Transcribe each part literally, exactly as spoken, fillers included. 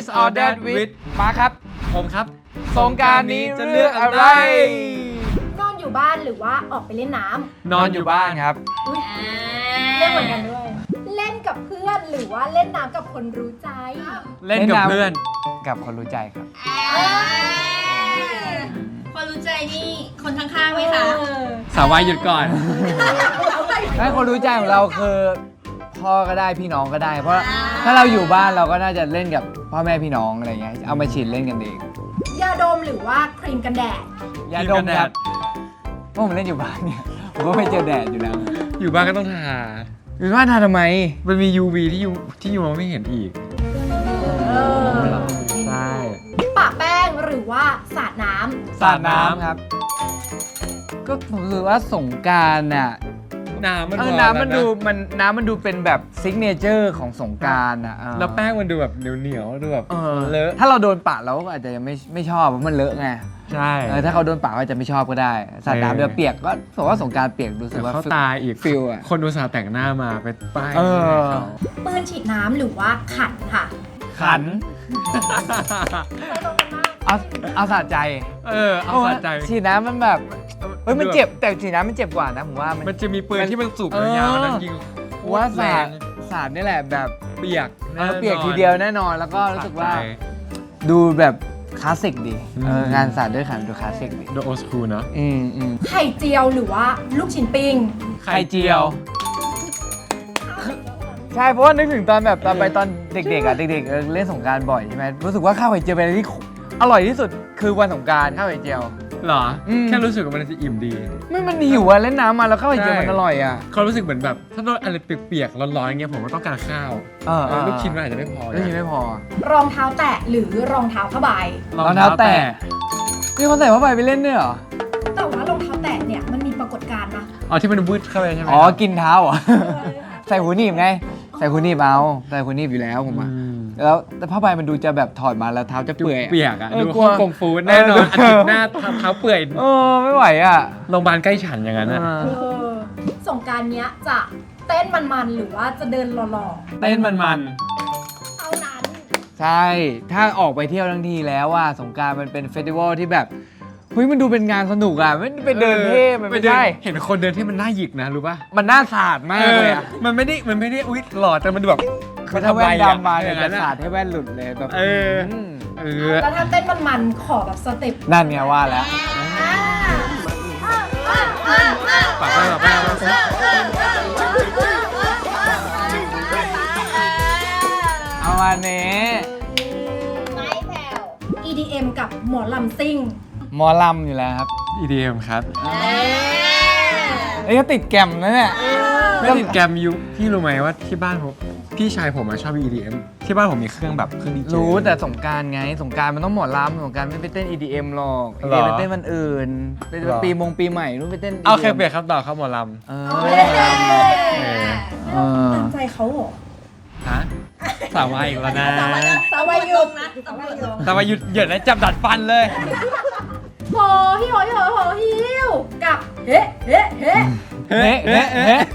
This or That with มาครับผมครับสงกรานต์นี้จะเลือกอะไรนอนอยู่บ้านหรือว่าออกไปเล่นน้ำนอนอยู่บ้านครับเล่นเหมือนกันด้วย เล่นกับเพื่อนหรือว่าเล่นน้ำกับคนรู้ใจเล่นกับเพื่อนกับคนรู้ใจครับคนรู้ใจนี่คนข้างๆไหมคะสาววายหยุดก่อนถ้าคนรู้ใจของเราคือพ่อก็ได้พี่น้องก็ได้ เพราะถ้าเราอยู่บ้านเราก็น่าจะเล่นกับพ่อแม่พี่น้องอะไรเงี้ยเอามาฉีดเล่นกันเองยาดมหรือว่าครีมกันแดดยาดมครับเพราะผมเล่นอยู่บ้านเนี่ยผมก็ไม่เจอแดดอยู่แล้วอยู่บ้านก็ต้องทาอยู่บ้านทาทำไมมันมี ยู วี ที่ยูที่ยูมองไม่เห็นอีกเออใช่ปะแป้งหรือว่าสาดน้ำสาดน้ำครับ ก็ผมรู้สึกว่าสงกรานต์น่ะน้ำมันเออพอน้ำมันแล้วะดูมันน้ำมันดูเป็นแบบซิกเนเจอร์ของสงกรานต์อ่ะเออแล้วแป้งมันดูแบบเหนียวเหนียวๆดูแบบเออเลอะถ้าเราโดนปะเราก็อาจจะยังไม่ไม่ชอบเพราะมันเลอะไงใช่เออถ้าเขาโดนปะก็อาจจะไม่ชอบก็ได้สาดน้ำเดี๋ยวเปียกก็ผมว่าสงกรานต์เปียกรู้สึกเดี๋ยวว่าเขาตายอีกฟิลอะคนดูสาวแต่งหน้ามาไปป้ายเออเขาปืนฉีดน้ำหรือว่าขันค่ะขันไปตรงกันมากเอาเอาสะใจเออเอาสะใจฉีดน้ำมันแบบเฮ้ยมันเจ็บแต่ฉีดน้ำมันเจ็บกว่านะผมว่ามันมันจะมีปืนที่มันสูบเออยาวๆนั้นยิงผมว่าแรสาดงสาดนี่แหละแบบเปียกเออเปียกทีเดียวแน่นอนแล้วก็รู้สึกว่าสะใจดูแบบคลาสสิกดีอืมเอองานสาดด้วยขันดูคลาสสิกดีดูโอสคูลเนาะอืมอืมไข่เจียวหรือว่าลูกชิ้นปิ้งไข่เจียว ใช่เพราะว่านึกถึงตอนแบบตอนไปตอนเด็กๆอ่ะเด็กๆเออเล่นสงกรานต์บ่อยใช่ไหมรู้สึกว่าข้าวไข่เจียวเป็นอะไรที่อร่อยที่สุดคือวันสงกรานต์ข้าวไข่เจียวหรออมแค่รู้สึกว่ามันจะอิ่มดีไม่มันหิวอ่ะเล่นน้ำมาแล้วข้าวไข่เจียวมันอร่อยอ่ะเขารู้สึกเหมือนแบบถ้าโดนอะไรเปียกๆร้อนๆอย่างเงี้ยผมก็ต้องการข้าวเออเออลูกชิ้นมันอาจจะไม่พอลูกชิ้นไม่พอรองเท้าแตะหรือรองเท้าผ้าใบรองเท้าแตะนี่เขาใส่ผ้าใบไปเล่นด้วยเหรอแต่ว่ารองเท้าแตะเนี่ยมันมีปรากฏการณ์นะอ๋อที่มันวืดเข้าไปใช่ไหมอ๋อกินเท้าเหรอ ใส่หูหนีบไงใส่หูหนีบเอาใส่หูหนีบอยู่แล้วผมอ่ะอืมแล้วแต่ผ้าใบมันดูจะแบบถอดมาแล้วเท้าจะเปื่อยเปียกอ่ะเออดูกลัวฮ่องกงฟู้ดแน่นอนเอออาทิตย์หน้าเท้าเปื่อยเออไม่ไหวอ่ะโรงพยาบาลใกล้ฉันอย่างนั้นอ่ะเอเอออสงกรารเนี้ยจะเต้นมันๆหรือว่าจะเดินหล่อเต้นมันๆเท่านั้นใช่ ถ้าออกไปเที่ยวทั้งทีแล้วว่าสงกรานต์มันเป็นเฟสติวัลที่แบบเฮ้ยมันดูเป็นงานสนุกอ่ะไม่ได้ๆไปเดินเท่มันปไม่เดินได้เห็นคนเดินที่มันน่าหยิกนะรู้ป่ะมันน่าสาดมากเลยอ่ะมันไม่ได้มันไม่ได้อุ๊ยหล่อแต่มันดูแบบคือถ้าแว่นดำมาเนี่ยอจะงสาดให้แว่นหลุดเลยแบบเออมเออแล้วถ้าเต้นมันๆขอแบบสเต็ปนั่นไงว่าแล้วปากแป้งปากแป้งปากแป้งเอามาเนี้ไม่แผ่ว อี ดี เอ็ม กับหมอลำซิ่งหมอลำอยู่แล้วครับอี ดี เอ็ม ครับเอ้ยก็ติดแกรมนะเนี่ยไม่ติดแกรมยูพี่รู้ไหมว่าที่บ้านผมพี่ชายผมอะชอบ อี ดี เอ็ม ที่บ้านผมมีเครื่องแบบเครื่องดีเจรู้แต่สงกรารไงสงกรารมันต้องหมอลำสงกรารไม่ไปเต้น อี ดี เอ็ม หรอก อีหรดีอเอ็ม มันเต้นวันอื่นเป็นหรอปีมงปีใหม่นู้นไปเต้นเอาอีเคดีเปลี่ยนครับต่อครับหมอลเออเฮ้ยเออตามใจเขาเหรอำฮะสาววายอีกแล้วนะสาวายุงนะตำรวจลงสาววายหยุดเหยินนะจับดัดฟันเลยโหฮิโหฮิโหโหฮิวกับเฮ้เฮ้เฮ้เฮ้เฮ้เฮ้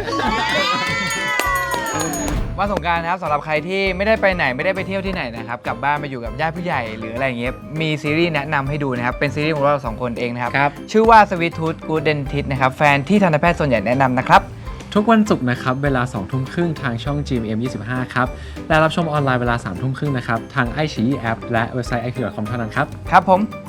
วันสงกรานต์นะครับสำหรับใครที่ไม่ได้ไปไหนไม่ได้ไปเที่ยวที่ไหนนะครับกลับบ้านมาอยู่กับญาติผู้ใหญ่หรืออะไรอย่างเงี้ยมีซีรีส์แนะนำให้ดูนะครับเป็นซีรีส์ของเราสองคนเองนะครับครับชื่อว่า Sweet Tooth Good Dentist นะครับแฟนที่ทันตแพทย์ส่วนใหญ่แนะนำนะครับทุกวันศุกร์นะครับเวลาสองทุ่มครึ่งทางช่อง จี เอ็ม เอ็ม ยี่สิบห้า ครับและรับชมออนไลน์เวลาสามทุ่มครึ่งนะครับทางไอชีแอปและเว็บไซต์ ไอ คิว ดอท คอม เท่านั้นครับครับผม